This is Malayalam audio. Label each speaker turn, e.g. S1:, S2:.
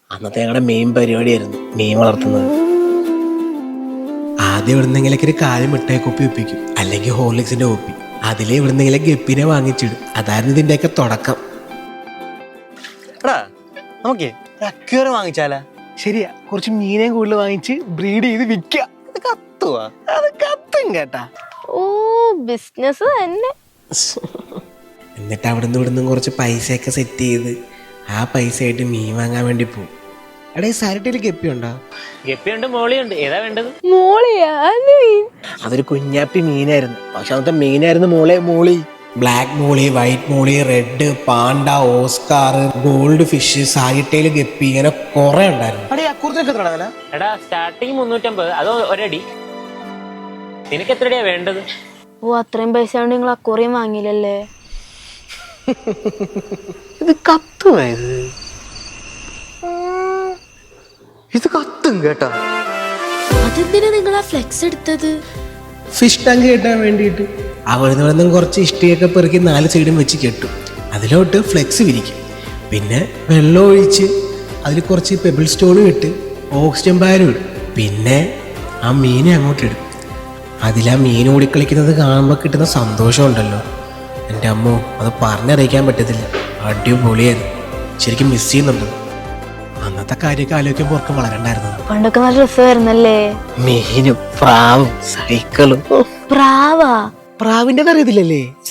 S1: അന്നത്തെ ഞങ്ങളുടെ മെയിൻ പരിപാടിയായിരുന്നു മീൻ വളർത്തുന്നത്. ആദ്യം എവിടുന്നെങ്കിലൊക്കെ ഒരു കാര്യം മിഠായി കുപ്പി ഒപ്പിക്കും, അല്ലെങ്കിൽ ഹോർലിക്സിന്റെ കുപ്പി. അതിലെ എവിടുന്നെങ്കിലും ഗപ്പിനെ വാങ്ങിച്ചിടും. അതായിരുന്നു ഇതിന്റെയൊക്കെ തുടക്കം.
S2: എടാ നമുക്കേ ഒരു അക്വേറിയം വാങ്ങിച്ചാലാ?
S1: ശരിയാ, കുറച്ച് മീനെ കൂടുതൽ വാങ്ങിച്ച് ബ്രീഡ് ചെയ്ത് വിൽക്കുക.
S2: ഇത് കത്തുവാ?
S1: അത് കത്തും കേട്ടാ.
S3: ഓ ബിസിനസ് തന്നെ.
S1: എന്നിട്ട് അവിടുന്ന് ഇവിടുന്ന് കുറച്ച് പൈസയൊക്കെ സെറ്റ് ചെയ്ത് ആ പൈസ ആയിട്ട് മീൻ വാങ്ങാൻ വേണ്ടി പോകും. എടാ ഈ സാരിട്ടയിൽ ഗപ്പിയുണ്ടോ?
S4: ഗപ്പിയുണ്ട്, മോളിയുണ്ട്. ഏതാ വേണ്ടത്?
S3: മോളിയാ?
S1: അതൊരു കുഞ്ഞാപ്പി മീനായിരുന്നു. പക്ഷെ അന്നത്തെ മീനായിരുന്നു molly. Black molly, white molly, red, panda, oscar, goldfish, സാരിട്ടയിൽ ഗപ്പി, ഇങ്ങനെ കുറെ ഉണ്ടായിരുന്നു.
S4: എടാ സ്റ്റാർട്ടിങ് 350, അത് ഒരടി. നിനക്ക് എത്രടിയാ വേണ്ടത്?
S3: ഓ അത്രയും പൈസ കൊണ്ട് നിങ്ങൾ അക്വേറിയം വാങ്ങിയില്ലല്ലേ?
S2: ഇത് കത്തുവായത്? ഇത് കത്തും കേട്ടാ.
S3: അതെന്തിനാ നിങ്ങൾ ആ ഫ്ലെക്സ് എടുത്തത്?
S1: ഫിഷ് ടാങ്ക് കെട്ടാൻ വേണ്ടിയിട്ട്. അവിടുന്ന് നിന്നും കുറച്ച് ഇഷ്ടിയൊക്കെ പെറുക്കി 4 സൈഡും വെച്ച് കെട്ടും. അതിലോട്ട് ഫ്ലെക്സ് വിരിക്കും. പിന്നെ വെള്ളം ഒഴിച്ച് അതിൽ കുറച്ച് പെബിൾ സ്റ്റോണും ഇട്ട് ഓക്സിജൻ പാലും ഇടും. പിന്നെ ആ മീനെ അങ്ങോട്ട് ഇടും. അതിലാ മീൻ ഓടിക്കളിക്കുന്നത് കാണുമ്പോൾ കിട്ടുന്ന സന്തോഷം ഉണ്ടല്ലോ, എൻ്റെ അമ്മോ, അത് പറഞ്ഞറിയിക്കാൻ പറ്റത്തില്ല. അടിപൊളിയായിരുന്നു. ശരിക്കും മിസ് ചെയ്യുന്നുണ്ട്. അന്നത്തെ കാര്യമൊക്കെ ആലോചിക്കുമ്പോൾ ഓർക്കും വളരണ്ടായിരുന്നത്.
S3: പണ്ടൊക്കെ നല്ല രസമായിരുന്നല്ലേ?
S1: മീനും പ്രാവും സൈക്കിളും.
S3: പ്രാവാ?
S1: പ്രാവിൻ്റെ അറിയത്തില്ലല്ലേ?